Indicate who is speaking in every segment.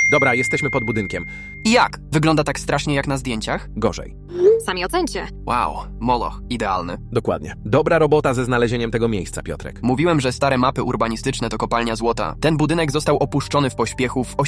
Speaker 1: Dobra, jesteśmy pod budynkiem.
Speaker 2: I jak? Wygląda tak strasznie jak na zdjęciach?
Speaker 1: Gorzej.
Speaker 3: Sami ocencie.
Speaker 2: Wow, moloch, idealny.
Speaker 1: Dokładnie. Dobra robota ze znalezieniem tego miejsca, Piotrek.
Speaker 2: Mówiłem, że stare mapy urbanistyczne to kopalnia złota. Ten budynek został opuszczony w pośpiechu w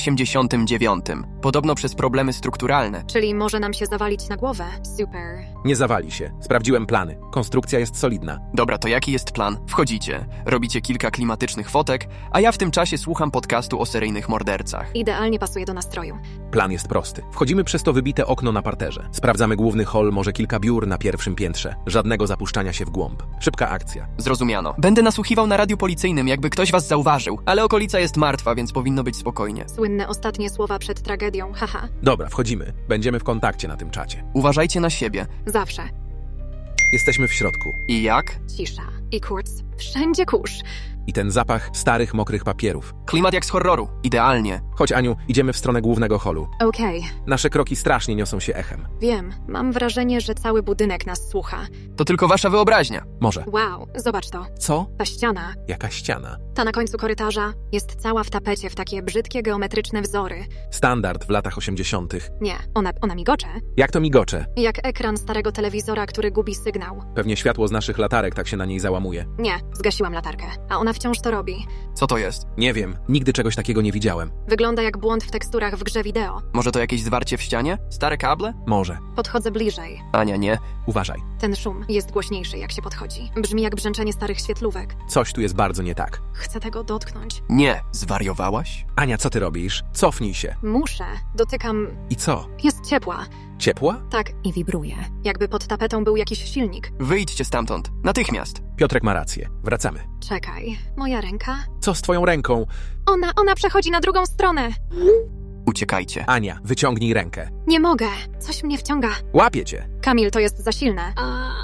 Speaker 2: 89. Podobno przez problemy strukturalne.
Speaker 3: Czyli może nam się zawalić na głowę. Super.
Speaker 1: Nie zawali się. Sprawdziłem plany. Konstrukcja jest solidna.
Speaker 2: Dobra, to jaki jest plan? Wchodzicie, robicie kilka klimatycznych fotek, a ja w tym czasie słucham podcastu o seryjnych mordercach.
Speaker 3: Idealnie pasuje do nastroju.
Speaker 1: Plan jest prosty. Wchodzimy przez to wybite okno na parterze. Sprawdzamy główny hol, może kilka biur na pierwszym piętrze. Żadnego zapuszczania się w głąb. Szybka akcja.
Speaker 2: Zrozumiano. Będę nasłuchiwał na radiu policyjnym, jakby ktoś was zauważył, ale okolica jest martwa, więc powinno być spokojnie.
Speaker 3: Słynne ostatnie słowa przed tragedią, haha.
Speaker 1: Dobra, wchodzimy. Będziemy w kontakcie na tym czacie.
Speaker 2: Uważajcie na siebie.
Speaker 3: Zawsze.
Speaker 1: Jesteśmy w środku.
Speaker 2: I jak?
Speaker 3: Cisza. I kurz. Wszędzie kurz.
Speaker 1: I ten zapach starych, mokrych papierów.
Speaker 2: Klimat jak z horroru. Idealnie.
Speaker 1: Chodź, Aniu, idziemy w stronę głównego holu.
Speaker 3: Okej.
Speaker 1: Nasze kroki strasznie niosą się echem.
Speaker 3: Wiem. Mam wrażenie, że cały budynek nas słucha.
Speaker 2: To tylko wasza wyobraźnia.
Speaker 1: Może.
Speaker 3: Wow, zobacz to.
Speaker 1: Co?
Speaker 3: Ta ściana,
Speaker 1: Jaka ściana?
Speaker 3: ta na końcu korytarza, jest cała w tapecie w takie brzydkie geometryczne wzory.
Speaker 1: Standard w latach 80.
Speaker 3: Nie, ona migocze.
Speaker 1: Jak to migocze?
Speaker 3: Jak ekran starego telewizora, który gubi sygnał.
Speaker 1: Pewnie światło z naszych latarek tak się na niej załamuje.
Speaker 3: Nie, zgasiłam latarkę. A ona wciąż to robi.
Speaker 2: Co to jest?
Speaker 1: Nie wiem, nigdy czegoś takiego nie widziałem.
Speaker 3: Wygląda jak błąd w teksturach w grze wideo.
Speaker 2: Może to jakieś zwarcie w ścianie? Stare kable?
Speaker 1: Może.
Speaker 3: Podchodzę bliżej.
Speaker 2: Ania, nie.
Speaker 1: Uważaj.
Speaker 3: Ten szum jest głośniejszy, jak się podchodzi. Brzmi jak brzęczenie starych świetlówek.
Speaker 1: Coś tu jest bardzo nie tak.
Speaker 3: Chcę tego dotknąć.
Speaker 2: Nie. Zwariowałaś?
Speaker 1: Ania, co ty robisz? Cofnij się.
Speaker 3: Muszę. Dotykam.
Speaker 1: I co?
Speaker 3: Jest ciepła.
Speaker 1: Ciepła?
Speaker 3: Tak, i wibruje. Jakby pod tapetą był jakiś silnik.
Speaker 2: Wyjdźcie stamtąd. Natychmiast.
Speaker 1: Piotrek ma rację. Wracamy.
Speaker 3: Czekaj, moja ręka?
Speaker 1: Co z twoją ręką?
Speaker 3: Ona przechodzi na drugą stronę.
Speaker 2: Uciekajcie.
Speaker 1: Ania, wyciągnij rękę.
Speaker 3: Nie mogę. Coś mnie wciąga.
Speaker 1: Łapię cię.
Speaker 3: Kamil, to jest za silne.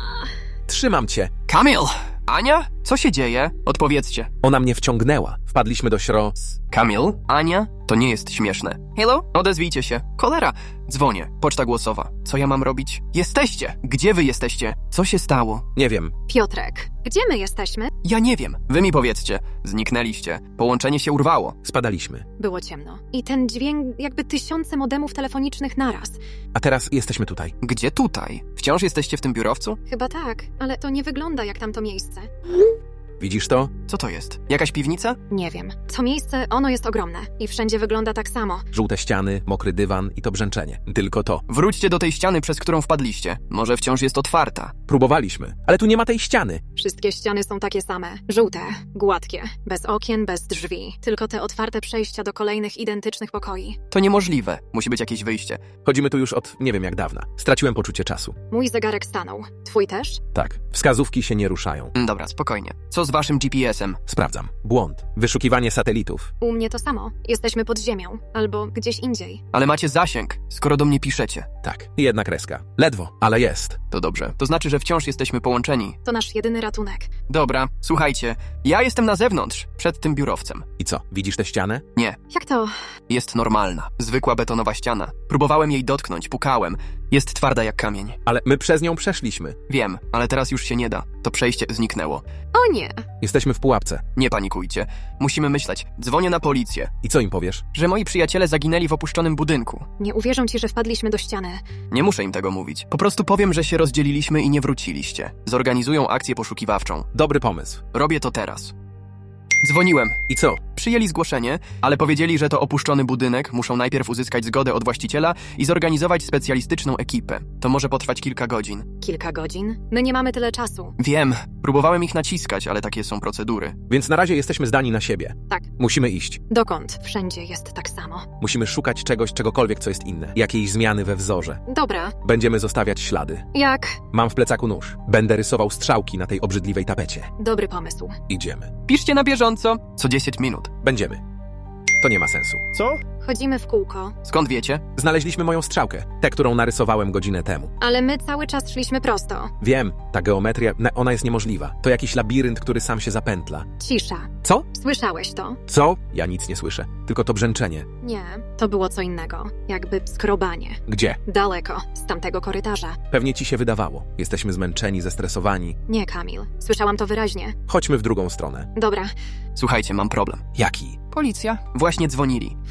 Speaker 1: Trzymam cię.
Speaker 2: Kamil! Ania? Co się dzieje? Odpowiedzcie.
Speaker 1: Ona mnie wciągnęła. Wpadliśmy do
Speaker 2: Kamil? Ania? To nie jest śmieszne. Hello? Odezwijcie się. Cholera. Dzwonię. Poczta głosowa. Co ja mam robić? Jesteście! Gdzie wy jesteście? Co się stało?
Speaker 1: Nie wiem.
Speaker 3: Piotrek, gdzie my jesteśmy?
Speaker 2: Ja nie wiem. Wy mi powiedzcie. Zniknęliście. Połączenie się urwało.
Speaker 1: Spadaliśmy.
Speaker 3: Było ciemno. I ten dźwięk jakby tysiące modemów telefonicznych naraz.
Speaker 1: A teraz jesteśmy tutaj.
Speaker 2: Gdzie tutaj? Wciąż jesteście w tym biurowcu?
Speaker 3: Chyba tak, ale to nie wygląda jak tamto miejsce.
Speaker 1: Widzisz to?
Speaker 2: Co to jest? Jakaś piwnica?
Speaker 3: Nie wiem. To miejsce, ono jest ogromne. I wszędzie wygląda tak samo.
Speaker 1: Żółte ściany, mokry dywan i to brzęczenie. Tylko to.
Speaker 2: Wróćcie do tej ściany, przez którą wpadliście. Może wciąż jest otwarta.
Speaker 1: Próbowaliśmy, ale tu nie ma tej ściany.
Speaker 3: Wszystkie ściany są takie same. Żółte, gładkie, bez okien, bez drzwi. Tylko te otwarte przejścia do kolejnych identycznych pokoi.
Speaker 2: To niemożliwe. Musi być jakieś wyjście.
Speaker 1: Chodzimy tu już od nie wiem jak dawna. Straciłem poczucie czasu.
Speaker 3: Mój zegarek stanął. Twój też?
Speaker 1: Tak, wskazówki się nie ruszają.
Speaker 2: Dobra, spokojnie. Co z waszym GPS-em?
Speaker 1: Sprawdzam. Błąd. Wyszukiwanie satelitów.
Speaker 3: U mnie to samo. Jesteśmy pod ziemią. Albo gdzieś indziej.
Speaker 2: Ale macie zasięg, skoro do mnie piszecie.
Speaker 1: Tak, jedna kreska. Ledwo, ale jest.
Speaker 2: To dobrze. To znaczy, że wciąż jesteśmy połączeni.
Speaker 3: To nasz jedyny ratunek.
Speaker 2: Dobra, słuchajcie. Ja jestem na zewnątrz, przed tym biurowcem.
Speaker 1: I co, widzisz tę ścianę?
Speaker 2: Nie,
Speaker 3: Jak to?
Speaker 2: jest normalna. Zwykła betonowa ściana. Próbowałem jej dotknąć, pukałem. Jest twarda jak kamień.
Speaker 1: Ale my przez nią przeszliśmy.
Speaker 2: Wiem, ale teraz już się nie da. To przejście zniknęło.
Speaker 3: O nie!
Speaker 1: Jesteśmy w pułapce.
Speaker 2: Nie panikujcie. Musimy myśleć. Dzwonię na policję,
Speaker 1: I co im powiesz?
Speaker 2: że moi przyjaciele zaginęli w opuszczonym budynku.
Speaker 3: Nie uwierzą ci, że wpadliśmy do ściany.
Speaker 2: Nie muszę im tego mówić. Po prostu powiem, że się rozdzieliliśmy i nie wróciliście. Zorganizują akcję poszukiwawczą.
Speaker 1: Dobry pomysł.
Speaker 2: Robię to teraz. Dzwoniłem.
Speaker 1: I co?
Speaker 2: Przyjęli zgłoszenie, ale powiedzieli, że to opuszczony budynek, muszą najpierw uzyskać zgodę od właściciela i zorganizować specjalistyczną ekipę. To może potrwać kilka godzin.
Speaker 3: Kilka godzin? My nie mamy tyle czasu.
Speaker 2: Wiem, próbowałem ich naciskać, ale takie są procedury.
Speaker 1: Więc na razie jesteśmy zdani na siebie.
Speaker 3: Tak.
Speaker 1: Musimy iść.
Speaker 3: Dokąd? Wszędzie jest tak samo.
Speaker 1: Musimy szukać czegoś, czegokolwiek, co jest inne. Jakiejś zmiany we wzorze.
Speaker 3: Dobra.
Speaker 1: Będziemy zostawiać ślady.
Speaker 3: Jak?
Speaker 1: Mam w plecaku nóż. Będę rysował strzałki na tej obrzydliwej tapecie.
Speaker 3: Dobry pomysł.
Speaker 1: Idziemy.
Speaker 2: Piszcie na bieżąco, co 10 minut.
Speaker 1: Będziemy. To nie ma sensu.
Speaker 2: Co?
Speaker 3: Chodzimy w kółko.
Speaker 2: Skąd wiecie?
Speaker 1: Znaleźliśmy moją strzałkę. Tę, którą narysowałem godzinę temu.
Speaker 3: Ale my cały czas szliśmy prosto.
Speaker 1: Wiem, ta geometria, ona jest niemożliwa. To jakiś labirynt, który sam się zapętla.
Speaker 3: Cisza.
Speaker 1: Co?
Speaker 3: Słyszałeś to?
Speaker 1: Co? Ja nic nie słyszę. Tylko to brzęczenie.
Speaker 3: Nie. To było co innego. Jakby skrobanie.
Speaker 1: Gdzie?
Speaker 3: Daleko. Z tamtego korytarza.
Speaker 1: Pewnie ci się wydawało. Jesteśmy zmęczeni, zestresowani.
Speaker 3: Nie, Kamil. Słyszałam to wyraźnie.
Speaker 1: Chodźmy w drugą stronę.
Speaker 3: Dobra.
Speaker 2: Słuchajcie, mam problem.
Speaker 1: Jaki?
Speaker 2: Policja? Właśnie dzwonili.
Speaker 3: Wchodzą do środka.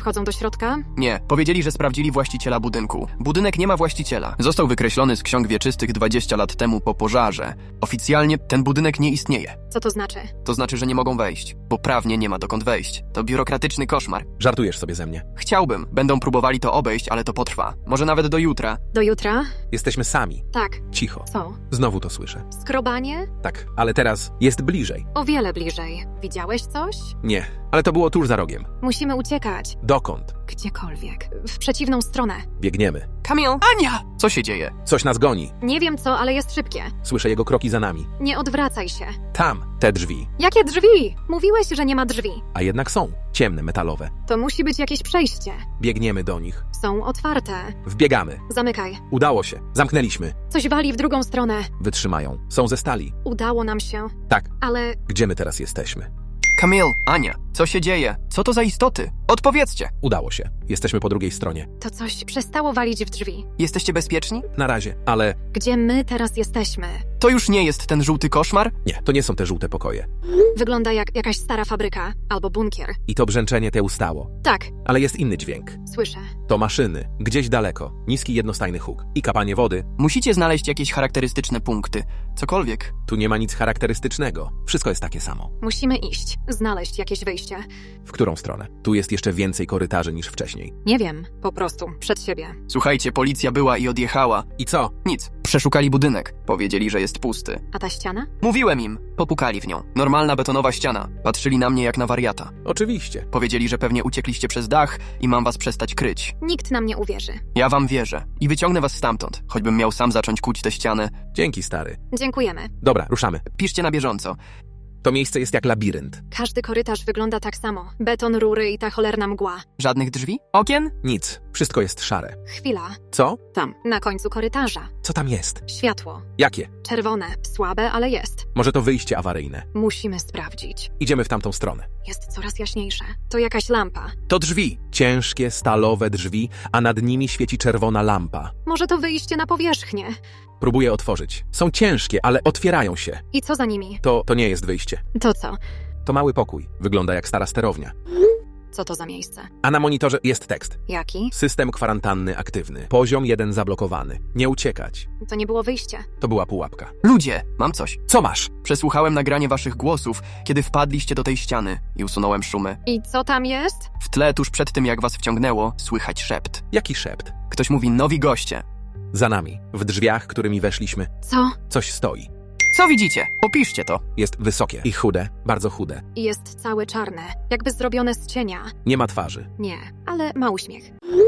Speaker 3: środka?
Speaker 2: Nie, powiedzieli, że sprawdzili właściciela budynku. Budynek nie ma właściciela. Został wykreślony z ksiąg wieczystych 20 lat temu po pożarze. Oficjalnie ten budynek nie istnieje.
Speaker 3: Co to znaczy?
Speaker 2: To znaczy, że nie mogą wejść, bo prawnie nie ma dokąd wejść. To biurokratyczny koszmar.
Speaker 1: Żartujesz sobie ze mnie.
Speaker 2: Chciałbym. Będą próbowali to obejść, ale to potrwa. Może nawet do jutra.
Speaker 3: Do jutra?
Speaker 1: Jesteśmy sami.
Speaker 3: Tak.
Speaker 1: Cicho.
Speaker 3: Co?
Speaker 1: Znowu to słyszę.
Speaker 3: Skrobanie?
Speaker 1: Tak, ale teraz jest bliżej.
Speaker 3: O wiele bliżej. Widziałeś coś?
Speaker 1: Nie, ale to było tuż za rogiem.
Speaker 3: Musimy uciekać.
Speaker 1: Dokąd?
Speaker 3: Gdziekolwiek. W przeciwną stronę.
Speaker 1: Biegniemy.
Speaker 2: Kamil! Ania! Co się dzieje?
Speaker 1: Coś nas goni.
Speaker 3: Nie wiem co, ale jest szybkie.
Speaker 1: Słyszę jego kroki za nami.
Speaker 3: Nie odwracaj się.
Speaker 1: Tam, te drzwi.
Speaker 3: Jakie drzwi? Mówiłeś, że nie ma drzwi.
Speaker 1: A jednak są. Ciemne, metalowe.
Speaker 3: To musi być jakieś przejście.
Speaker 1: Biegniemy do nich.
Speaker 3: Są otwarte.
Speaker 1: Wbiegamy.
Speaker 3: Zamykaj.
Speaker 1: Udało się. Zamknęliśmy.
Speaker 3: Coś wali w drugą stronę.
Speaker 1: Wytrzymają. Są ze stali.
Speaker 3: Udało nam się.
Speaker 1: Tak.
Speaker 3: Ale
Speaker 1: Gdzie my teraz jesteśmy?
Speaker 2: Kamil! Ania! Co się dzieje? Co to za istoty? Odpowiedzcie!
Speaker 1: Udało się. Jesteśmy po drugiej stronie.
Speaker 3: to coś przestało walić w drzwi.
Speaker 2: Jesteście bezpieczni?
Speaker 1: Na razie, ale
Speaker 3: Gdzie my teraz jesteśmy?
Speaker 2: To już nie jest ten żółty koszmar?
Speaker 1: nie, to nie są te żółte pokoje.
Speaker 3: Wygląda jak jakaś stara fabryka albo bunkier.
Speaker 1: I to brzęczenie te ustało.
Speaker 3: Tak,
Speaker 1: Ale jest inny dźwięk.
Speaker 3: słyszę.
Speaker 1: To maszyny. Gdzieś daleko. Niski jednostajny huk. I kapanie wody.
Speaker 2: Musicie znaleźć jakieś charakterystyczne punkty. Cokolwiek.
Speaker 1: Tu nie ma nic charakterystycznego. Wszystko jest takie samo.
Speaker 3: Musimy iść, znaleźć jakieś wyjście.
Speaker 1: W którą stronę? Tu jest jeszcze więcej korytarzy niż wcześniej.
Speaker 3: Nie wiem, po prostu, przed siebie.
Speaker 2: Słuchajcie, policja była i odjechała.
Speaker 1: I co?
Speaker 2: Nic. Przeszukali budynek. Powiedzieli, że jest pusty.
Speaker 3: A ta ściana?
Speaker 2: Mówiłem im. Popukali w nią. Normalna betonowa ściana. Patrzyli na mnie jak na wariata.
Speaker 1: Oczywiście.
Speaker 2: Powiedzieli, że pewnie uciekliście przez dach i mam was przestać kryć.
Speaker 3: Nikt nam nie uwierzy.
Speaker 2: Ja wam wierzę. I wyciągnę was stamtąd. Choćbym miał sam zacząć kuć tę ścianę.
Speaker 1: Dzięki, stary.
Speaker 3: Dziękujemy.
Speaker 1: Dobra, ruszamy.
Speaker 2: Piszcie na bieżąco.
Speaker 1: To miejsce jest jak labirynt.
Speaker 3: Każdy korytarz wygląda tak samo. Beton, rury i ta cholerna mgła.
Speaker 2: Żadnych drzwi? Okien?
Speaker 1: Nic. Wszystko jest szare.
Speaker 3: Chwila.
Speaker 1: Co?
Speaker 3: Tam, na końcu korytarza.
Speaker 1: Co tam jest?
Speaker 3: Światło.
Speaker 1: Jakie?
Speaker 3: Czerwone. Słabe, ale jest.
Speaker 1: Może to wyjście awaryjne.
Speaker 3: Musimy sprawdzić.
Speaker 1: Idziemy w tamtą stronę.
Speaker 3: Jest coraz jaśniejsze. To jakaś lampa.
Speaker 1: To drzwi. Ciężkie, stalowe drzwi, a nad nimi świeci czerwona lampa.
Speaker 3: Może to wyjście na powierzchnię.
Speaker 1: Próbuję otworzyć. Są ciężkie, ale otwierają się.
Speaker 3: I co za nimi?
Speaker 1: To nie jest wyjście.
Speaker 3: To co?
Speaker 1: To mały pokój. Wygląda jak stara sterownia.
Speaker 3: Co to za miejsce?
Speaker 1: A na monitorze jest tekst.
Speaker 3: Jaki?
Speaker 1: System kwarantanny aktywny. Poziom 1 zablokowany. Nie uciekać.
Speaker 3: To nie było wyjście.
Speaker 1: To była pułapka.
Speaker 2: Ludzie, mam coś.
Speaker 1: Co masz?
Speaker 2: Przesłuchałem nagranie waszych głosów, kiedy wpadliście do tej ściany i usunąłem szumy.
Speaker 3: I co tam jest?
Speaker 2: W tle, tuż przed tym jak was wciągnęło, słychać szept.
Speaker 1: Jaki szept?
Speaker 2: Ktoś mówi nowi goście.
Speaker 1: Za nami, w drzwiach, którymi weszliśmy,
Speaker 3: Co?
Speaker 1: coś stoi.
Speaker 2: Co widzicie? Opiszcie to.
Speaker 1: Jest wysokie i chude, bardzo chude.
Speaker 3: I jest całe czarne. Jakby zrobione z cienia.
Speaker 1: Nie ma twarzy.
Speaker 3: Nie, ale ma uśmiech.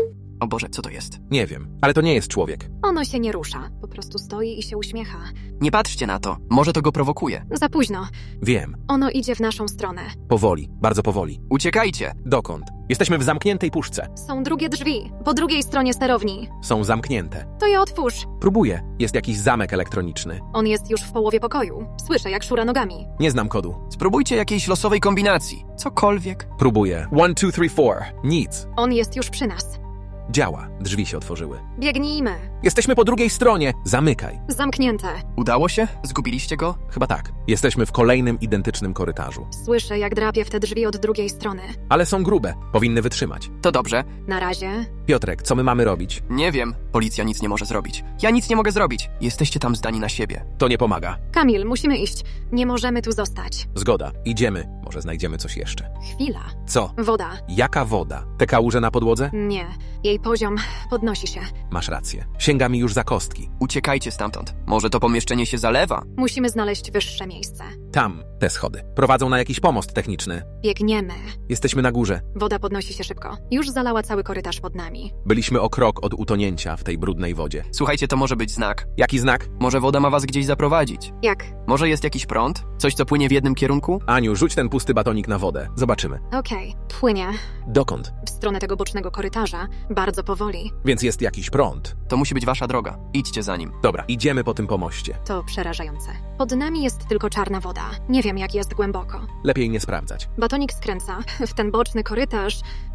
Speaker 2: O Boże, co to jest?
Speaker 1: Nie wiem, ale to nie jest człowiek.
Speaker 3: Ono się nie rusza. Po prostu stoi i się uśmiecha.
Speaker 2: Nie patrzcie na to. Może to go prowokuje.
Speaker 3: Za późno.
Speaker 1: Wiem.
Speaker 3: Ono idzie w naszą stronę.
Speaker 1: Powoli, bardzo powoli.
Speaker 2: Uciekajcie.
Speaker 1: Dokąd? Jesteśmy w zamkniętej puszce.
Speaker 3: Są drugie drzwi. Po drugiej stronie sterowni.
Speaker 1: Są zamknięte.
Speaker 3: To je otwórz.
Speaker 1: Próbuję. Jest jakiś zamek elektroniczny.
Speaker 3: On jest już w połowie pokoju. Słyszę, jak szura nogami.
Speaker 1: Nie znam kodu.
Speaker 2: Spróbujcie jakiejś losowej kombinacji. Cokolwiek.
Speaker 1: Próbuję. 1, 2, 3, 4. Nic.
Speaker 3: On jest już przy nas.
Speaker 1: Działa. Drzwi się otworzyły.
Speaker 3: Biegnijmy.
Speaker 1: Jesteśmy po drugiej stronie. Zamykaj.
Speaker 3: Zamknięte.
Speaker 2: Udało się? Zgubiliście go?
Speaker 1: Chyba tak. Jesteśmy w kolejnym identycznym korytarzu.
Speaker 3: Słyszę, jak drapie w te drzwi od drugiej strony.
Speaker 1: Ale są grube. Powinny wytrzymać.
Speaker 2: To dobrze.
Speaker 3: Na razie.
Speaker 1: Piotrek, co my mamy robić?
Speaker 2: Nie wiem. Policja nic nie może zrobić. Ja nic nie mogę zrobić. Jesteście tam zdani na siebie.
Speaker 1: To nie pomaga.
Speaker 3: Kamil, musimy iść. Nie możemy tu zostać.
Speaker 1: Zgoda. Idziemy. Może znajdziemy coś jeszcze.
Speaker 3: Chwila.
Speaker 1: Co?
Speaker 3: Woda.
Speaker 1: Jaka woda? Te kałuże na podłodze?
Speaker 3: Nie. Jej poziom podnosi się.
Speaker 1: Masz rację. Sięga mi już za kostki.
Speaker 2: Uciekajcie stamtąd. Może to pomieszczenie się zalewa?
Speaker 3: Musimy znaleźć wyższe miejsce.
Speaker 1: Tam, te schody. Prowadzą na jakiś pomost techniczny.
Speaker 3: Biegniemy.
Speaker 1: Jesteśmy na górze.
Speaker 3: Woda podnosi się szybko. Już zalała cały korytarz pod nami.
Speaker 1: Byliśmy o krok od utonięcia w tej brudnej wodzie.
Speaker 2: Słuchajcie, to może być znak.
Speaker 1: Jaki znak?
Speaker 2: Może woda ma was gdzieś zaprowadzić.
Speaker 3: Jak?
Speaker 2: Może jest jakiś prąd? Coś, co płynie w jednym kierunku?
Speaker 1: Aniu, rzuć ten pusty batonik na wodę. Zobaczymy.
Speaker 3: Okej. Płynie.
Speaker 1: Dokąd?
Speaker 3: W stronę tego bocznego korytarza. Bardzo powoli.
Speaker 1: Więc jest jakiś prąd.
Speaker 2: To musi być wasza droga. Idźcie za nim.
Speaker 1: Dobra, idziemy po tym pomoście.
Speaker 3: To przerażające. Pod nami jest tylko czarna woda. Nie wiem, jak jest głęboko.
Speaker 1: Lepiej nie sprawdzać.
Speaker 3: Batonik skręca w ten boczny korytarz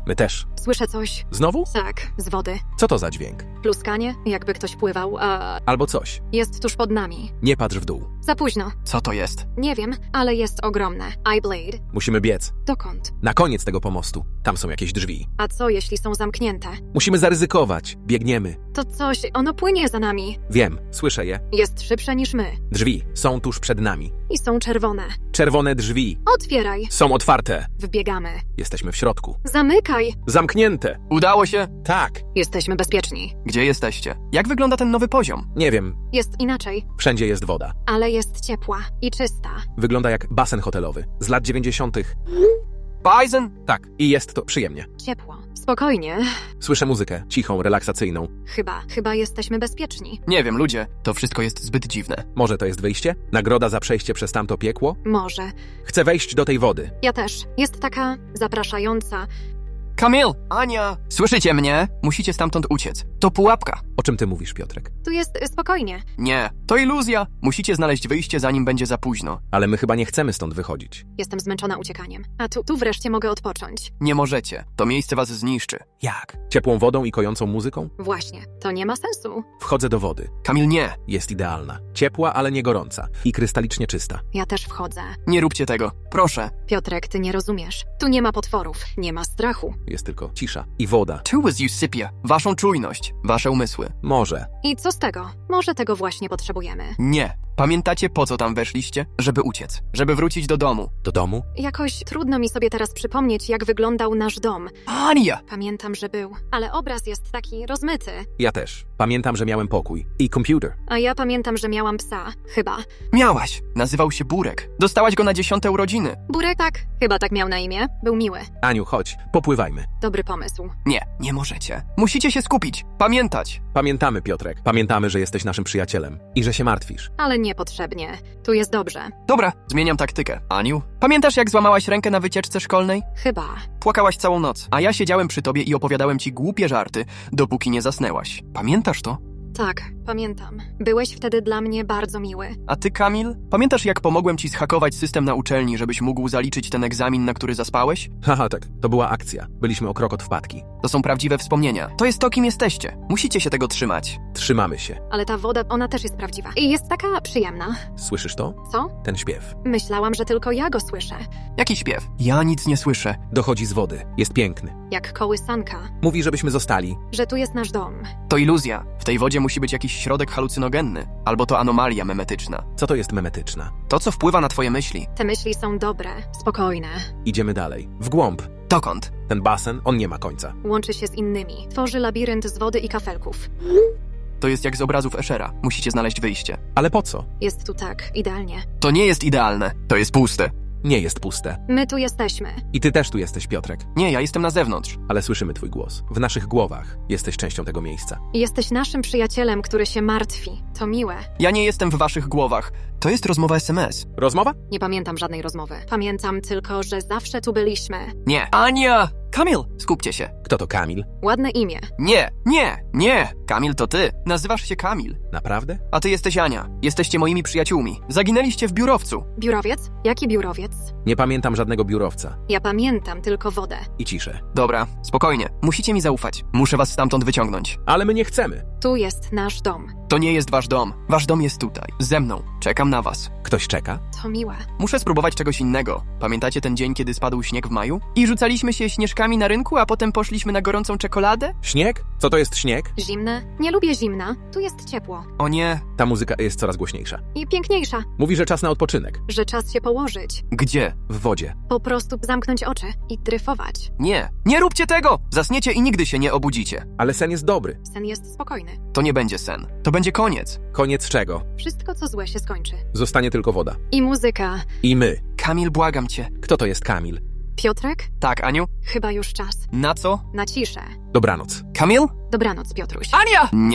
Speaker 1: My też.
Speaker 3: Słyszę coś.
Speaker 1: Znowu?
Speaker 3: Tak, z wody.
Speaker 1: Co to za dźwięk?
Speaker 3: Pluskanie, jakby ktoś pływał, a
Speaker 1: Albo coś.
Speaker 3: jest tuż pod nami.
Speaker 1: Nie patrz w dół.
Speaker 3: Za późno.
Speaker 2: Co to jest?
Speaker 3: Nie wiem, ale jest ogromne. Eyeblade.
Speaker 1: Musimy biec.
Speaker 3: Dokąd?
Speaker 1: Na koniec tego pomostu. Tam są jakieś drzwi.
Speaker 3: A co, jeśli są zamknięte?
Speaker 1: Musimy zaryzykować. Biegniemy.
Speaker 3: To coś, ono płynie za nami.
Speaker 1: Wiem, słyszę je.
Speaker 3: Jest szybsze niż my.
Speaker 1: Drzwi są tuż przed nami.
Speaker 3: I są czerwone.
Speaker 1: Czerwone drzwi.
Speaker 3: Otwieraj.
Speaker 1: Są otwarte.
Speaker 3: Wbiegamy.
Speaker 1: Jesteśmy w środku.
Speaker 3: Zamykaj.
Speaker 1: Zamknięte.
Speaker 2: Udało się?
Speaker 1: Tak.
Speaker 3: Jesteśmy bezpieczni.
Speaker 2: Gdzie jesteście? Jak wygląda ten nowy poziom?
Speaker 1: Nie wiem.
Speaker 3: Jest inaczej,
Speaker 1: Wszędzie jest woda.
Speaker 3: ale jest ciepła i czysta.
Speaker 1: Wygląda jak basen hotelowy. Z lat 90.
Speaker 2: Bison?
Speaker 1: Tak. I jest to przyjemnie.
Speaker 3: Ciepło. Spokojnie.
Speaker 1: Słyszę muzykę. Cichą, relaksacyjną.
Speaker 3: Chyba jesteśmy bezpieczni.
Speaker 2: Nie wiem, ludzie. To wszystko jest zbyt dziwne.
Speaker 1: Może to jest wyjście? Nagroda za przejście przez tamto piekło?
Speaker 3: Może.
Speaker 1: Chcę wejść do tej wody.
Speaker 3: Ja też. Jest taka zapraszająca.
Speaker 2: Kamil! Ania! Słyszycie mnie? Musicie stamtąd uciec. To pułapka.
Speaker 1: O czym ty mówisz, Piotrek?
Speaker 3: Tu jest spokojnie.
Speaker 2: Nie, to iluzja. Musicie znaleźć wyjście, zanim będzie za późno.
Speaker 1: Ale my chyba nie chcemy stąd wychodzić.
Speaker 3: Jestem zmęczona uciekaniem. A tu wreszcie mogę odpocząć.
Speaker 2: Nie możecie. To miejsce was zniszczy.
Speaker 1: Jak? Ciepłą wodą i kojącą muzyką?
Speaker 3: Właśnie. To nie ma sensu.
Speaker 1: Wchodzę do wody.
Speaker 2: Kamil, nie.
Speaker 1: Jest idealna. Ciepła, ale nie gorąca. I krystalicznie czysta.
Speaker 3: Ja też wchodzę.
Speaker 2: Nie róbcie tego. Proszę.
Speaker 3: Piotrek, ty nie rozumiesz. Tu nie ma potworów. Nie ma strachu.
Speaker 1: Jest tylko cisza. I woda.
Speaker 2: Tu was you sypia. Waszą czujność. Wasze umysły.
Speaker 1: Może.
Speaker 3: I co z tego? Może tego właśnie potrzebujemy.
Speaker 2: Nie. Pamiętacie, po co tam weszliście? Żeby uciec. Żeby wrócić do domu.
Speaker 1: Do domu?
Speaker 3: Jakoś trudno mi sobie teraz przypomnieć, jak wyglądał nasz dom.
Speaker 2: Ania!
Speaker 3: Pamiętam, że był, ale obraz jest taki rozmyty.
Speaker 1: Ja też. Pamiętam, że miałem pokój. I komputer.
Speaker 3: A ja pamiętam, że miałam psa. Chyba.
Speaker 2: Miałaś. Nazywał się Burek. Dostałaś go na 10 urodziny.
Speaker 3: Burek? Tak. Chyba tak miał na imię. Był miły.
Speaker 1: Aniu, chodź. Popływajmy.
Speaker 3: Dobry pomysł.
Speaker 2: Nie, nie możecie. Musicie się skupić. Pamiętać.
Speaker 1: Pamiętamy, Piotrek. Pamiętamy, że jesteś naszym przyjacielem. I że się martwisz.
Speaker 3: Ale niepotrzebnie. Tu jest dobrze.
Speaker 2: Dobra, zmieniam taktykę. Aniu, pamiętasz, jak złamałaś rękę na wycieczce szkolnej?
Speaker 3: Chyba.
Speaker 2: Płakałaś całą noc, a ja siedziałem przy tobie i opowiadałem ci głupie żarty, dopóki nie zasnęłaś. Pamiętasz to?
Speaker 3: Tak, pamiętam. Byłeś wtedy dla mnie bardzo miły.
Speaker 2: A ty, Kamil? Pamiętasz, jak pomogłem ci zhakować system na uczelni, żebyś mógł zaliczyć ten egzamin, na który zaspałeś?
Speaker 1: Haha, tak. To była akcja. Byliśmy o krok od wpadki.
Speaker 2: To są prawdziwe wspomnienia. To jest to, kim jesteście. Musicie się tego trzymać.
Speaker 1: Trzymamy się.
Speaker 3: Ale ta woda, ona też jest prawdziwa. I jest taka przyjemna.
Speaker 1: Słyszysz to?
Speaker 3: Co?
Speaker 1: Ten śpiew.
Speaker 3: Myślałam, że tylko ja go słyszę.
Speaker 2: Jaki śpiew? Ja nic nie słyszę.
Speaker 1: Dochodzi z wody. Jest piękny.
Speaker 3: Jak kołysanka.
Speaker 1: Mówi, żebyśmy zostali.
Speaker 3: Że tu jest nasz dom.
Speaker 2: To iluzja. W tej wodzie musi być jakiś środek halucynogenny. Albo to anomalia memetyczna.
Speaker 1: Co to jest memetyczna?
Speaker 2: To, co wpływa na twoje myśli.
Speaker 3: Te myśli są dobre, spokojne.
Speaker 1: Idziemy dalej. W głąb.
Speaker 2: Dokąd?
Speaker 1: Ten basen, on nie ma końca.
Speaker 3: Łączy się z innymi. Tworzy labirynt z wody i kafelków.
Speaker 2: To jest jak z obrazów Eschera. Musicie znaleźć wyjście.
Speaker 1: Ale po co?
Speaker 3: Jest tu tak, idealnie.
Speaker 2: To nie jest idealne. To jest puste.
Speaker 1: Nie jest puste.
Speaker 3: My tu jesteśmy.
Speaker 1: I ty też tu jesteś, Piotrek.
Speaker 2: Nie, ja jestem na zewnątrz.
Speaker 1: Ale słyszymy twój głos. W naszych głowach. Jesteś częścią tego miejsca.
Speaker 3: Jesteś naszym przyjacielem, który się martwi. To miłe.
Speaker 2: Ja nie jestem w waszych głowach. To jest rozmowa SMS.
Speaker 1: Rozmowa?
Speaker 3: Nie pamiętam żadnej rozmowy. Pamiętam tylko, że zawsze tu byliśmy.
Speaker 2: Nie. Ania! Kamil! Skupcie się.
Speaker 1: Kto to Kamil?
Speaker 3: Ładne imię.
Speaker 2: Nie, nie, nie! Kamil to ty. Nazywasz się Kamil.
Speaker 1: Naprawdę?
Speaker 2: A ty jesteś Ania. Jesteście moimi przyjaciółmi. Zaginęliście w biurowcu.
Speaker 3: Biurowiec? Jaki biurowiec?
Speaker 1: Nie pamiętam żadnego biurowca.
Speaker 3: Ja pamiętam tylko wodę.
Speaker 1: I ciszę.
Speaker 2: Dobra, spokojnie. Musicie mi zaufać. Muszę was stamtąd wyciągnąć.
Speaker 1: Ale my nie chcemy.
Speaker 3: Tu jest nasz dom.
Speaker 2: To nie jest wasz dom. Wasz dom jest tutaj. Ze mną. Czekam na was.
Speaker 1: Ktoś czeka?
Speaker 3: To miłe.
Speaker 2: Muszę spróbować czegoś innego. Pamiętacie ten dzień, kiedy spadł śnieg w maju? I rzucaliśmy się śnieżkami na rynku, a potem poszliśmy na gorącą czekoladę?
Speaker 1: Śnieg? Co to jest śnieg?
Speaker 3: Zimne? Nie lubię zimna. Tu jest ciepło.
Speaker 2: O nie.
Speaker 1: Ta muzyka jest coraz głośniejsza.
Speaker 3: I piękniejsza.
Speaker 1: Mówi, że czas na odpoczynek.
Speaker 3: Że czas się położyć.
Speaker 2: Gdzie?
Speaker 1: W wodzie.
Speaker 3: Po prostu zamknąć oczy i dryfować.
Speaker 2: Nie. Nie róbcie tego! Zasniecie i nigdy się nie obudzicie.
Speaker 1: Ale sen jest dobry.
Speaker 3: Sen jest spokojny.
Speaker 2: To nie będzie sen. To będzie koniec.
Speaker 1: Koniec czego?
Speaker 3: Wszystko, co złe, się skończy.
Speaker 1: Zostanie tylko woda.
Speaker 3: I muzyka.
Speaker 1: I my.
Speaker 2: Kamil, błagam cię.
Speaker 1: Kto to jest Kamil?
Speaker 3: Piotrek?
Speaker 2: Tak, Aniu?
Speaker 3: Chyba już czas.
Speaker 2: Na co?
Speaker 3: Na ciszę.
Speaker 1: Dobranoc.
Speaker 2: Kamil?
Speaker 3: Dobranoc, Piotruś.
Speaker 2: Ania! Nie.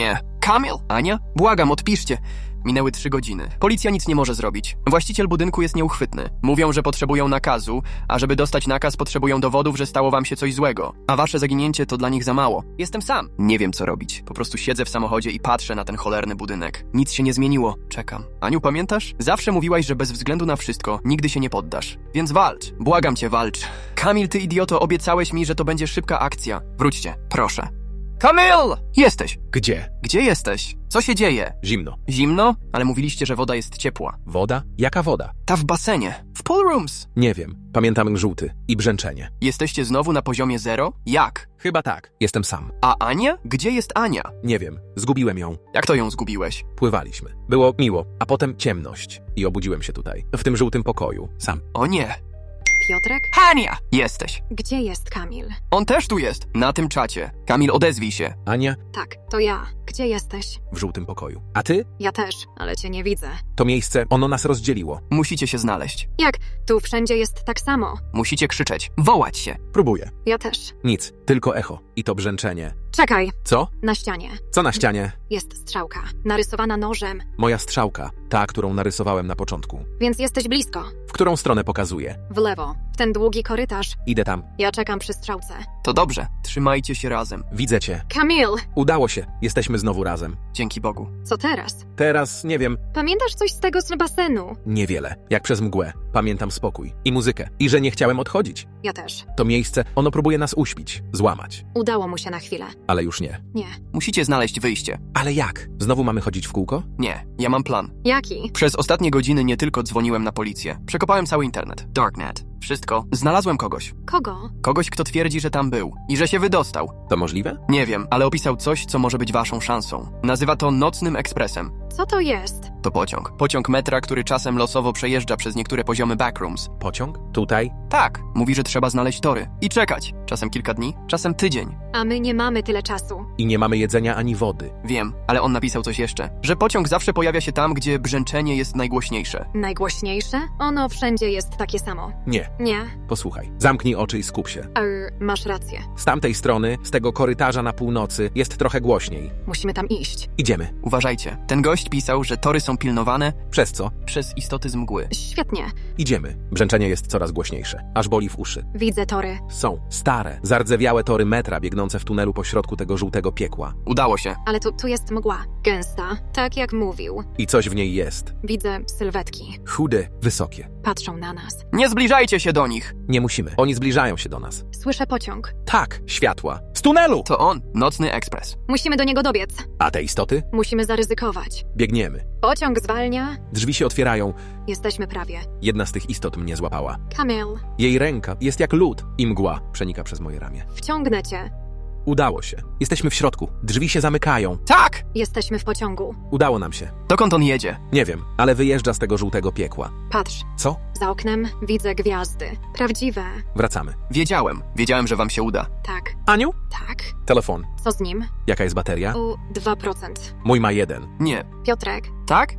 Speaker 2: Kamil? Ania? Błagam, odpiszcie. Minęły 3 godziny. Policja nic nie może zrobić. Właściciel budynku jest nieuchwytny. Mówią, że potrzebują nakazu, a żeby dostać nakaz, potrzebują dowodów, że stało wam się coś złego. A wasze zaginięcie to dla nich za mało. Jestem sam. Nie wiem, co robić. Po prostu siedzę w samochodzie i patrzę na ten cholerny budynek. Nic się nie zmieniło. Czekam. Aniu, pamiętasz? Zawsze mówiłaś, że bez względu na wszystko nigdy się nie poddasz. Więc walcz. Błagam cię, walcz. Kamil, ty idioto, obiecałeś mi, że to będzie szybka akcja. Wróćcie, proszę. Kamil! Jesteś.
Speaker 1: Gdzie?
Speaker 2: Gdzie jesteś? Co się dzieje?
Speaker 1: Zimno.
Speaker 2: Zimno? Ale mówiliście, że woda jest ciepła.
Speaker 1: Woda? Jaka woda?
Speaker 2: Ta w basenie. W pool rooms.
Speaker 1: Nie wiem. Pamiętam żółty i brzęczenie.
Speaker 2: Jesteście znowu na poziomie 0? Jak?
Speaker 1: Chyba tak. Jestem sam.
Speaker 2: A Ania? Gdzie jest Ania?
Speaker 1: Nie wiem. Zgubiłem ją.
Speaker 2: Jak to ją zgubiłeś?
Speaker 1: Pływaliśmy. Było miło, a potem ciemność. I obudziłem się tutaj. W tym żółtym pokoju. Sam.
Speaker 2: O nie.
Speaker 3: Piotrek?
Speaker 2: Ania! Jesteś.
Speaker 3: Gdzie jest Kamil?
Speaker 2: On też tu jest. Na tym czacie. Kamil, odezwij się.
Speaker 1: Ania?
Speaker 3: Tak, to ja. Gdzie jesteś?
Speaker 1: W żółtym pokoju. A ty?
Speaker 3: Ja też, ale cię nie widzę.
Speaker 1: To miejsce, ono nas rozdzieliło.
Speaker 2: Musicie się znaleźć.
Speaker 3: Jak? Tu wszędzie jest tak samo.
Speaker 2: Musicie krzyczeć. Wołać się.
Speaker 1: Próbuję.
Speaker 3: Ja też.
Speaker 1: Nic. Tylko echo. I to brzęczenie.
Speaker 3: Czekaj,
Speaker 1: Co?
Speaker 3: na ścianie.
Speaker 1: Co na ścianie?
Speaker 3: Jest strzałka, narysowana nożem,
Speaker 1: Moja strzałka. Ta, którą narysowałem na początku.
Speaker 3: więc jesteś blisko.
Speaker 1: W którą stronę pokazuje?
Speaker 3: W lewo, w ten długi korytarz.
Speaker 1: Idę tam.
Speaker 3: Ja czekam przy strzałce.
Speaker 2: To dobrze. Trzymajcie się razem.
Speaker 1: Widzę cię.
Speaker 3: Kamil!
Speaker 1: Udało się. Jesteśmy znowu razem.
Speaker 2: Dzięki Bogu.
Speaker 3: Co teraz?
Speaker 1: Teraz, nie wiem,
Speaker 3: Pamiętasz coś z tego z basenu?
Speaker 1: niewiele. Jak przez mgłę. Pamiętam spokój. I muzykę. I że nie chciałem odchodzić.
Speaker 3: Ja też.
Speaker 1: To miejsce, ono próbuje nas uśpić. Złamać.
Speaker 3: Udało mu się na chwilę.
Speaker 1: Ale już nie.
Speaker 3: Nie.
Speaker 2: Musicie znaleźć wyjście.
Speaker 1: Ale jak? Znowu mamy chodzić w kółko?
Speaker 2: Nie, ja mam plan.
Speaker 3: Jaki?
Speaker 2: Przez ostatnie godziny nie tylko dzwoniłem na policję. Przekopałem cały internet. Darknet. Wszystko. Znalazłem kogoś.
Speaker 3: Kogo?
Speaker 2: Kogoś, kto twierdzi, że tam był. I że się wydostał.
Speaker 1: To możliwe?
Speaker 2: Nie wiem, ale opisał coś, co może być waszą szansą. Nazywa to nocnym ekspresem.
Speaker 3: Co to jest?
Speaker 2: To pociąg. Pociąg metra, który czasem losowo przejeżdża przez niektóre poziomy backrooms.
Speaker 1: Pociąg? Tutaj?
Speaker 2: Tak, mówi, że trzeba znaleźć tory. I czekać. Czasem kilka dni, czasem tydzień.
Speaker 3: A my nie mamy tyle czasu.
Speaker 1: I nie mamy jedzenia ani wody.
Speaker 2: Wiem, ale on napisał coś jeszcze. Że pociąg zawsze pojawia się tam, gdzie brzęczenie jest najgłośniejsze.
Speaker 3: Najgłośniejsze? Ono wszędzie jest takie samo.
Speaker 1: Nie.
Speaker 3: Nie?
Speaker 1: Posłuchaj. Zamknij oczy i skup się.
Speaker 3: Masz rację.
Speaker 1: Z tamtej strony, z tego korytarza na północy, jest trochę głośniej.
Speaker 3: Musimy tam iść.
Speaker 1: Idziemy.
Speaker 2: Uważajcie. Ten gość pisał, że tory są pilnowane
Speaker 1: Przez co?
Speaker 2: przez istoty z mgły.
Speaker 3: Świetnie.
Speaker 1: Idziemy. Brzęczenie jest coraz głośniejsze. Aż boli w uszy.
Speaker 3: Widzę tory.
Speaker 1: Są stare, zardzewiałe tory metra biegnące w tunelu pośrodku tego żółtego piekła.
Speaker 2: Udało się.
Speaker 3: Ale tu jest mgła. Gęsta. Tak jak mówił.
Speaker 1: I coś w niej jest.
Speaker 3: Widzę sylwetki.
Speaker 1: Chude, wysokie.
Speaker 3: Patrzą na nas.
Speaker 2: Nie zbliżajcie się do nich!
Speaker 1: Nie musimy. Oni zbliżają się do nas.
Speaker 3: Słyszę pociąg.
Speaker 1: Tak, światła. Z tunelu!
Speaker 2: To on, nocny ekspres.
Speaker 3: Musimy do niego dobiec.
Speaker 1: A te istoty?
Speaker 3: Musimy zaryzykować.
Speaker 1: Biegniemy.
Speaker 3: Pociąg zwalnia.
Speaker 1: Drzwi się otwierają.
Speaker 3: Jesteśmy prawie.
Speaker 1: Jedna z tych istot mnie złapała.
Speaker 3: Kamil,
Speaker 1: Jej ręka jest jak lód i mgła przenika przez moje ramię.
Speaker 3: wciągnę cię.
Speaker 1: Udało się. Jesteśmy w środku. Drzwi się zamykają.
Speaker 2: Tak!
Speaker 3: Jesteśmy w pociągu.
Speaker 1: Udało nam się.
Speaker 2: Dokąd on jedzie?
Speaker 1: Nie wiem, ale wyjeżdża z tego żółtego piekła.
Speaker 3: Patrz.
Speaker 1: Co?
Speaker 3: Za oknem widzę gwiazdy. Prawdziwe.
Speaker 1: Wracamy.
Speaker 2: Wiedziałem, że wam się uda.
Speaker 3: Tak.
Speaker 1: Aniu?
Speaker 3: Tak.
Speaker 1: Telefon.
Speaker 3: Co z nim?
Speaker 1: Jaka jest bateria?
Speaker 3: 2%.
Speaker 1: Mój ma 1.
Speaker 2: Nie.
Speaker 3: Piotrek,
Speaker 2: Tak?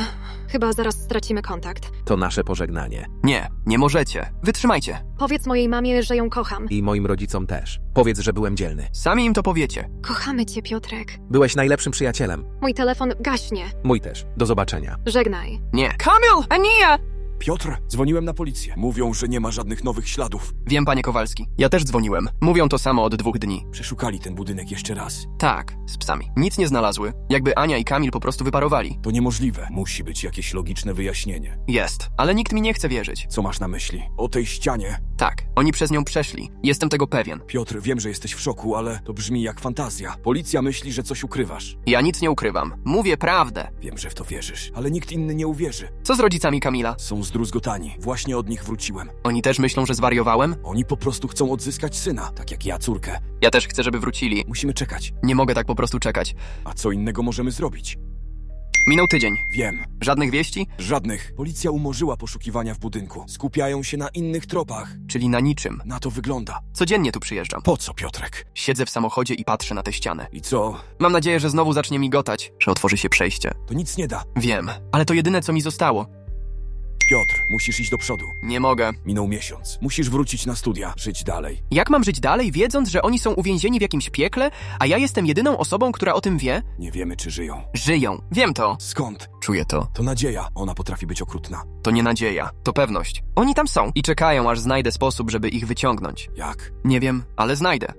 Speaker 3: chyba zaraz stracimy kontakt.
Speaker 1: To nasze pożegnanie.
Speaker 2: Nie, nie możecie. Wytrzymajcie.
Speaker 3: Powiedz mojej mamie, że ją kocham.
Speaker 1: I moim rodzicom też. Powiedz, że byłem dzielny.
Speaker 2: Sami im to powiecie.
Speaker 3: Kochamy cię, Piotrek.
Speaker 1: Byłeś najlepszym przyjacielem.
Speaker 3: Mój telefon gaśnie.
Speaker 1: Mój też. Do zobaczenia.
Speaker 3: Żegnaj.
Speaker 2: Nie. Kamil! Ania!
Speaker 4: Piotr, dzwoniłem na policję. Mówią, że nie ma żadnych nowych śladów.
Speaker 2: Wiem, panie Kowalski. Ja też dzwoniłem. Mówią to samo od 2 dni.
Speaker 4: Przeszukali ten budynek jeszcze raz.
Speaker 2: Tak, z psami. Nic nie znalazły. Jakby Ania i Kamil po prostu wyparowali.
Speaker 4: To niemożliwe. Musi być jakieś logiczne wyjaśnienie.
Speaker 2: Jest, ale nikt mi nie chce wierzyć.
Speaker 4: Co masz na myśli? O tej ścianie.
Speaker 2: Tak, oni przez nią przeszli. Jestem tego pewien.
Speaker 4: Piotr, wiem, że jesteś w szoku, ale to brzmi jak fantazja. Policja myśli, że coś ukrywasz.
Speaker 2: Ja nic nie ukrywam. Mówię prawdę.
Speaker 4: Wiem, że w to wierzysz, ale nikt inny nie uwierzy.
Speaker 2: Co z rodzicami Kamila?
Speaker 4: Są zdruzgotani. Właśnie od nich wróciłem.
Speaker 2: Oni też myślą, że zwariowałem?
Speaker 4: Oni po prostu chcą odzyskać syna, tak jak ja córkę.
Speaker 2: Ja też chcę, żeby wrócili.
Speaker 4: Musimy czekać.
Speaker 2: Nie mogę tak po prostu czekać.
Speaker 4: A co innego możemy zrobić?
Speaker 2: Minął tydzień.
Speaker 4: Wiem.
Speaker 2: Żadnych wieści?
Speaker 4: Żadnych. Policja umorzyła poszukiwania w budynku. Skupiają się na innych tropach.
Speaker 2: Czyli na niczym.
Speaker 4: Na to wygląda.
Speaker 2: Codziennie tu przyjeżdżam.
Speaker 4: Po co, Piotrek?
Speaker 2: Siedzę w samochodzie i patrzę na tę ścianę.
Speaker 4: I co?
Speaker 2: Mam nadzieję, że znowu zacznie migotać, że otworzy się przejście.
Speaker 4: To nic nie da.
Speaker 2: Wiem, ale to jedyne, co mi zostało.
Speaker 4: Piotr, musisz iść do przodu.
Speaker 2: Nie mogę.
Speaker 4: Minął miesiąc. Musisz wrócić na studia, żyć dalej.
Speaker 2: Jak mam żyć dalej, wiedząc, że oni są uwięzieni w jakimś piekle, a ja jestem jedyną osobą, która o tym wie?
Speaker 4: Nie wiemy, czy żyją.
Speaker 2: Żyją. Wiem to.
Speaker 4: Skąd?
Speaker 2: Czuję to.
Speaker 4: To nadzieja. Ona potrafi być okrutna.
Speaker 2: To nie nadzieja. To pewność. Oni tam są i czekają, aż znajdę sposób, żeby ich wyciągnąć.
Speaker 4: Jak?
Speaker 2: Nie wiem, ale znajdę.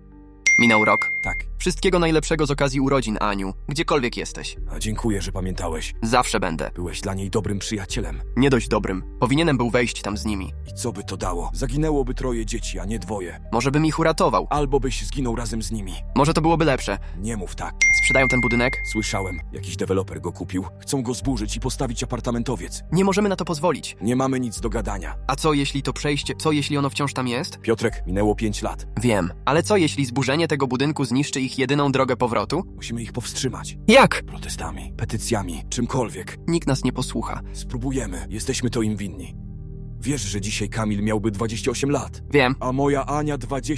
Speaker 2: Minął rok.
Speaker 4: Tak.
Speaker 2: Wszystkiego najlepszego z okazji urodzin, Aniu. Gdziekolwiek jesteś.
Speaker 4: A dziękuję, że pamiętałeś.
Speaker 2: Zawsze będę.
Speaker 4: Byłeś dla niej dobrym przyjacielem.
Speaker 2: Nie dość dobrym. Powinienem był wejść tam z nimi.
Speaker 4: I co by to dało? Zaginęłoby 3 dzieci, a nie 2.
Speaker 2: Może bym ich uratował.
Speaker 4: Albo byś zginął razem z nimi.
Speaker 2: Może to byłoby lepsze.
Speaker 4: Nie mów tak.
Speaker 2: Sprzedają ten budynek?
Speaker 4: Słyszałem, jakiś deweloper go kupił. Chcą go zburzyć i postawić apartamentowiec.
Speaker 2: Nie możemy na to pozwolić.
Speaker 4: Nie mamy nic do gadania.
Speaker 2: A co jeśli to przejście, co jeśli ono wciąż tam jest?
Speaker 4: Piotrek, minęło 5 lat.
Speaker 2: Wiem, ale co jeśli zburzenie tego budynku zniszczy ich jedyną drogę powrotu?
Speaker 4: Musimy ich powstrzymać.
Speaker 2: Jak?
Speaker 4: Protestami, petycjami, czymkolwiek.
Speaker 2: Nikt nas nie posłucha.
Speaker 4: Spróbujemy. Jesteśmy to im winni. Wiesz, że dzisiaj Kamil miałby 28 lat,
Speaker 2: Wiem,
Speaker 4: a moja Ania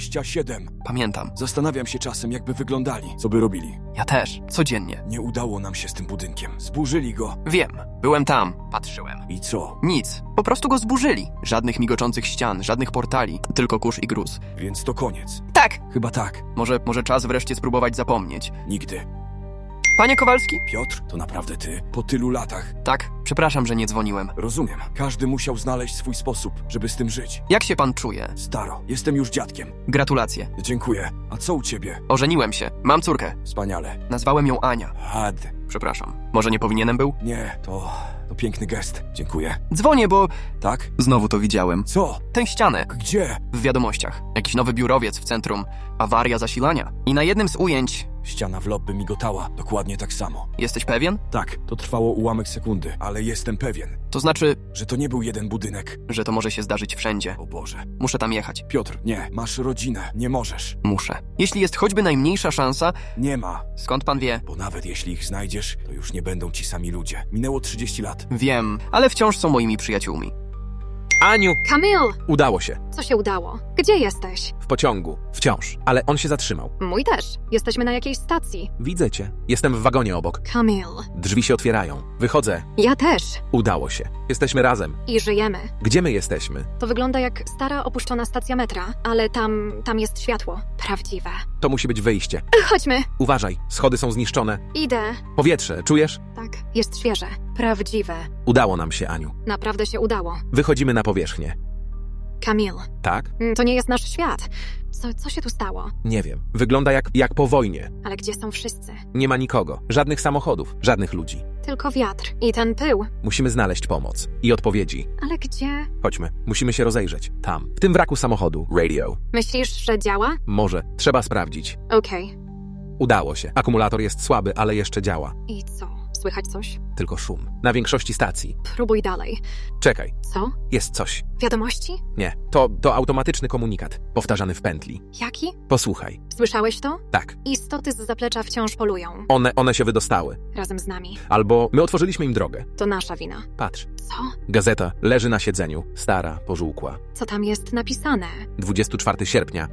Speaker 4: 27.
Speaker 2: pamiętam.
Speaker 4: Zastanawiam się czasem, jakby wyglądali, co by robili.
Speaker 2: Ja też. Codziennie.
Speaker 4: Nie udało nam się z tym budynkiem. Zburzyli go.
Speaker 2: Wiem. Byłem tam. Patrzyłem.
Speaker 4: I co?
Speaker 2: Nic. Po prostu go zburzyli. Żadnych migoczących ścian, żadnych portali. Tylko kurz i gruz.
Speaker 4: Więc to koniec.
Speaker 2: Tak!
Speaker 4: Chyba tak.
Speaker 2: Może czas wreszcie spróbować zapomnieć.
Speaker 4: Nigdy.
Speaker 2: Panie Kowalski?
Speaker 4: Piotr, to naprawdę ty? Po tylu latach.
Speaker 2: Tak, przepraszam, że nie dzwoniłem.
Speaker 4: Rozumiem. Każdy musiał znaleźć swój sposób, żeby z tym żyć.
Speaker 2: Jak się pan czuje?
Speaker 4: Staro, jestem już dziadkiem.
Speaker 2: Gratulacje.
Speaker 4: Dziękuję. A co u ciebie?
Speaker 2: Ożeniłem się. Mam córkę.
Speaker 4: Wspaniale.
Speaker 2: Nazwałem ją Ania.
Speaker 4: Had.
Speaker 2: Przepraszam. Może nie powinienem był?
Speaker 4: Nie, to piękny gest. Dziękuję.
Speaker 2: Dzwonię, bo
Speaker 4: Tak?
Speaker 2: znowu to widziałem.
Speaker 4: Co?
Speaker 2: Tę ścianę.
Speaker 4: Gdzie?
Speaker 2: W wiadomościach. Jakiś nowy biurowiec w centrum. Awaria zasilania. I na jednym z ujęć...
Speaker 4: Ściana w lobby migotała. Dokładnie tak samo.
Speaker 2: Jesteś pewien?
Speaker 4: Tak, to trwało ułamek sekundy, ale jestem pewien,
Speaker 2: To znaczy,
Speaker 4: że to nie był jeden budynek.
Speaker 2: że to może się zdarzyć wszędzie.
Speaker 4: O Boże.
Speaker 2: Muszę tam jechać.
Speaker 4: Piotr, nie. Masz rodzinę. Nie możesz.
Speaker 2: Muszę. Jeśli jest choćby najmniejsza szansa...
Speaker 4: Nie ma.
Speaker 2: Skąd pan wie?
Speaker 4: Bo nawet jeśli ich znajdziesz, to już nie będą ci sami ludzie. Minęło 30 lat.
Speaker 2: Wiem, ale wciąż są moimi przyjaciółmi.
Speaker 1: Aniu!
Speaker 3: Kamil!
Speaker 1: Udało się.
Speaker 3: Co się udało? Gdzie jesteś?
Speaker 1: W pociągu. Wciąż. Ale on się zatrzymał.
Speaker 3: Mój też. Jesteśmy na jakiejś stacji.
Speaker 1: Widzę cię. Jestem w wagonie obok.
Speaker 3: Kamil.
Speaker 1: Drzwi się otwierają. Wychodzę.
Speaker 3: Ja też.
Speaker 1: Udało się. Jesteśmy razem.
Speaker 3: I żyjemy.
Speaker 1: Gdzie my jesteśmy?
Speaker 3: To wygląda jak stara, opuszczona stacja metra, ale tam jest światło. Prawdziwe.
Speaker 1: To musi być wyjście.
Speaker 3: Chodźmy.
Speaker 1: Uważaj. Schody są zniszczone.
Speaker 3: Idę.
Speaker 1: Powietrze. Czujesz?
Speaker 3: Tak, jest świeże. Prawdziwe.
Speaker 1: Udało nam się, Aniu.
Speaker 3: Naprawdę się udało.
Speaker 1: Wychodzimy na powierzchnię.
Speaker 3: Kamil,
Speaker 1: Tak?
Speaker 3: to nie jest nasz świat. Co się tu stało?
Speaker 1: Nie wiem. Wygląda jak po wojnie.
Speaker 3: Ale gdzie są wszyscy?
Speaker 1: Nie ma nikogo. Żadnych samochodów. Żadnych ludzi.
Speaker 3: Tylko wiatr i ten pył.
Speaker 1: Musimy znaleźć pomoc. I odpowiedzi.
Speaker 3: Ale gdzie?
Speaker 1: Chodźmy. Musimy się rozejrzeć. Tam. W tym wraku samochodu. Radio.
Speaker 3: Myślisz, że działa?
Speaker 1: Może. Trzeba sprawdzić.
Speaker 3: Okej.
Speaker 1: Udało się. Akumulator jest słaby, ale jeszcze działa.
Speaker 3: I co? Słychać coś?
Speaker 1: Tylko szum. Na większości stacji.
Speaker 3: Próbuj dalej.
Speaker 1: Czekaj.
Speaker 3: Co?
Speaker 1: Jest coś.
Speaker 3: Wiadomości?
Speaker 1: Nie. To automatyczny komunikat. Powtarzany w pętli.
Speaker 3: Jaki?
Speaker 1: Posłuchaj.
Speaker 3: Słyszałeś to?
Speaker 1: Tak.
Speaker 3: Istoty z zaplecza wciąż polują.
Speaker 1: One się wydostały.
Speaker 3: Razem z nami.
Speaker 1: Albo my otworzyliśmy im drogę.
Speaker 3: To nasza wina.
Speaker 1: Patrz.
Speaker 3: Co?
Speaker 1: Gazeta leży na siedzeniu. Stara, pożółkła.
Speaker 3: Co tam jest napisane?
Speaker 1: 24 sierpnia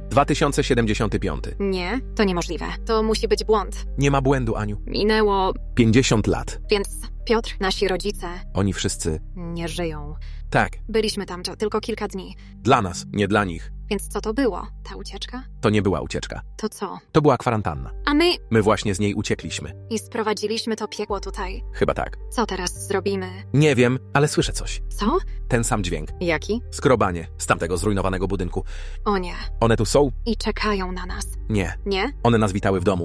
Speaker 1: 2075.
Speaker 3: Nie, to niemożliwe. To musi być błąd.
Speaker 1: Nie ma błędu, Aniu.
Speaker 3: Minęło,
Speaker 1: 50 lat.
Speaker 3: więc Piotr, nasi rodzice
Speaker 1: Oni wszyscy.
Speaker 3: nie żyją.
Speaker 1: Tak.
Speaker 3: Byliśmy tam tylko kilka dni.
Speaker 1: Dla nas, nie dla nich.
Speaker 3: Więc co to było? Ta ucieczka?
Speaker 1: To nie była ucieczka.
Speaker 3: To co?
Speaker 1: To była kwarantanna.
Speaker 3: A my
Speaker 1: My właśnie z niej uciekliśmy.
Speaker 3: i sprowadziliśmy to piekło tutaj.
Speaker 1: Chyba tak.
Speaker 3: Co teraz zrobimy?
Speaker 1: Nie wiem, ale słyszę coś.
Speaker 3: Co?
Speaker 1: Ten sam dźwięk.
Speaker 3: Jaki?
Speaker 1: Skrobanie z tamtego zrujnowanego budynku.
Speaker 3: O nie.
Speaker 1: One tu są?
Speaker 3: I czekają na nas.
Speaker 1: Nie.
Speaker 3: Nie?
Speaker 1: One nas witały w domu.